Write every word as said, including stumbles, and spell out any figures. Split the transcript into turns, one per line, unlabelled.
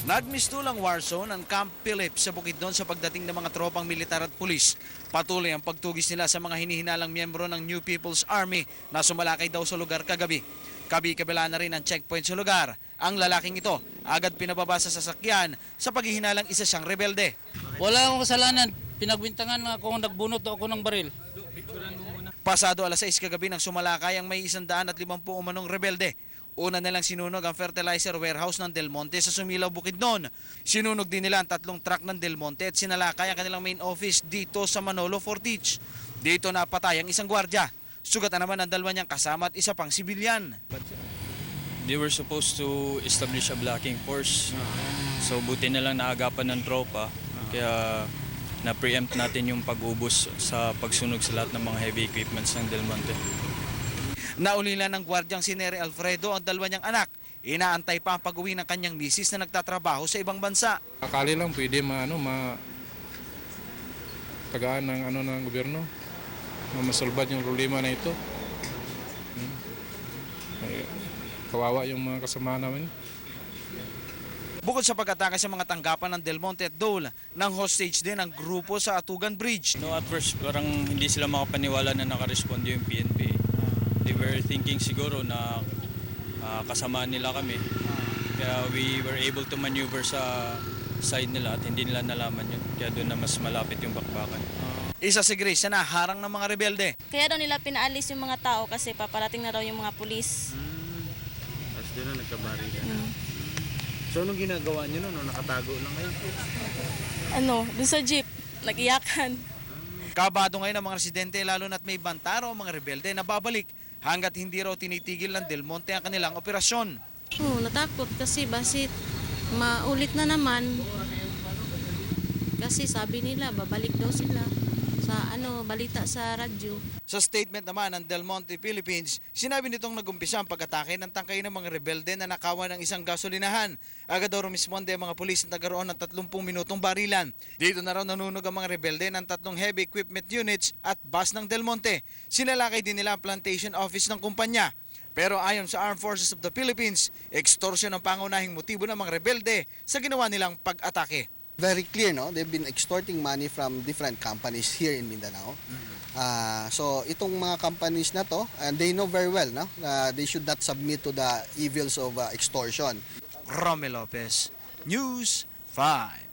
Nagmistulang war zone ang Camp Philip sa Bukidnon sa pagdating ng mga tropang militar at pulis. Patuloy ang pagtugis nila sa mga hinihinalang miyembro ng New People's Army na sumalakay daw sa lugar kagabi. Kabi-kabila na rin ang checkpoint sa lugar. Ang lalaking ito agad pinababa sa sasakyan sa paghihinalang isa siyang rebelde.
Wala akong kasalanan. Pinagbintangan na ako nagbunot ako ng baril.
Pasado alas sais kagabi nang sumalakay ang may isandaan at limampu umanong rebelde. Una nilang sinunog ang fertilizer warehouse ng Del Monte sa Sumilaw, Bukidnon. Sinunog din nila ang tatlong truck ng Del Monte at sinalakay ang kanilang main office dito sa Manolo, Fortich. Dito napatay ang isang gwardya. Sugatan naman ang dalawa niyang kasama at isa pang sibilyan.
They were supposed to establish a blocking force. So buti na lang naagapan ng tropa. Kaya na-preempt natin yung pag-ubos sa pagsunog sa lahat ng mga heavy equipments ng Del Monte.
Naulila ng gwardyang si Nery Alfredo ang dalawa niyang anak. Inaantay pa ang pag-uwi ng kanyang misis na nagtatrabaho sa ibang bansa.
Akali lang pwede ma ano ma tagaan ng ano ng gobyerno na masolbad yung problema na ito. Hmm. Ay, kawawa yung mga kasama namin.
Bukod sa pag-atake sa mga tanggapan ng Del Monte at Dole, nang hostage din ang grupo sa Atugan Bridge.
No, at first parang hindi sila makapaniwala na nakaresponde yung P N P. They were thinking siguro na uh, kasamaan nila kami. Kaya we were able to maneuver sa side nila at hindi nila nalaman yun. Kaya doon na mas malapit yung bakbakan.
Isa si Grace na naharang ng mga rebelde.
Kaya daw nila pinaalis yung mga tao kasi paparating na daw yung mga pulis.
Hmm. Tapos doon na nagkabari ka.
Mm.
So anong ginagawa niyo noon? Nakatago lang kayo?
Ano, dun sa jeep, nag-iyakan.
Kabado ngayon ang mga residente lalo na't may bantaro ang mga rebelde na babalik hanggat hindi raw tinitigil ng Del Monte ang kanilang operasyon.
Oo, natakot kasi basit maulit na naman. Kasi sabi nila babalik daw sila sa ano balita sa radyo.
Sa statement naman ng Del Monte Philippines, sinabi nitong nagumpisa ang pag-atake ng tangkay ng mga rebelde na nakawan ng isang gasolinahan. Agad daw rumisponde ang mga pulis na nagkaroon ng tatlumpung minutong barilan. Dito na raw nanunog ang mga rebelde ng tatlong heavy equipment units at bus ng Del Monte. Sinalakay din nila ang plantation office ng kumpanya. Pero ayon sa Armed Forces of the Philippines, extortion ang pangunahing motibo ng mga rebelde sa ginawa nilang pag-atake.
Very clear, no? They've been extorting money from different companies here in Mindanao. Uh, so itong mga companies na to, and they know very well, no? Uh, they should not submit to the evils of uh, extortion.
Romy Lopez, News five.